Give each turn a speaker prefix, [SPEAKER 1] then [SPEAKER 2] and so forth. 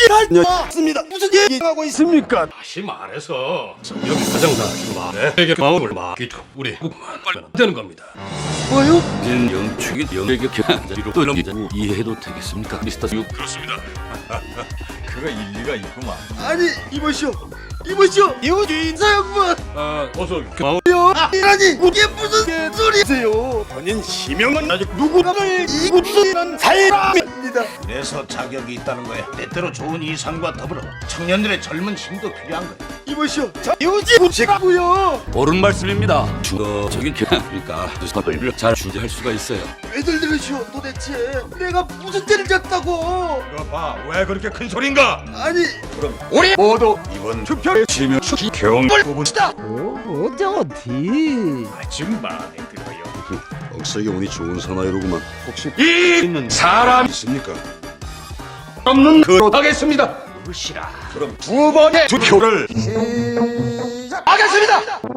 [SPEAKER 1] 다녀왔습니다. 무슨 얘기하고 있습니까?
[SPEAKER 2] 다시 말해서 여기 사장사 말에 마음을 맡기고 우리 국만 빨리 되는 겁니다.
[SPEAKER 1] 뭐요?
[SPEAKER 3] 영축이 영에게 견자리로 돌리자고 이해해도 되겠습니까, 미스터 유?
[SPEAKER 2] 그렇습니다.
[SPEAKER 4] 그가 일리가 있구만.
[SPEAKER 1] 아니 이보시오 이호주인 사형만
[SPEAKER 2] 어서 마음
[SPEAKER 1] 아니라니 이게 무슨 소리세요? 본인 시명은 아직 누구를 이곳이란 사람입니다.
[SPEAKER 5] 그래서 자격이 있다는 거야. 때때로 좋은 이상과 더불어 청년들의 젊은 힘도 필요한 거야.
[SPEAKER 1] 이보시오 저 이호지 씨가고요.
[SPEAKER 3] 옳은 말씀입니다. 주어적인 그러니까 스타일을 잘 주재할 수가 있어요.
[SPEAKER 1] 왜들 들으시오 도대체 내가 무슨 죄를 졌다고?
[SPEAKER 4] 이거 봐, 왜 그렇게 큰 소린가?
[SPEAKER 1] 아니
[SPEAKER 4] 우리 모두 이번 투표에 지면 경을 뽑읍시다.
[SPEAKER 1] 어디?
[SPEAKER 4] 아주 마음에 들어요.
[SPEAKER 6] 억세게 운이 좋은 사나이로구만.
[SPEAKER 4] 혹시 이 있는 사람 있습니까? 없는 그로 하겠습니다.
[SPEAKER 5] 무시라.
[SPEAKER 4] 그럼 두 번의 투표를
[SPEAKER 1] 시작하겠습니다.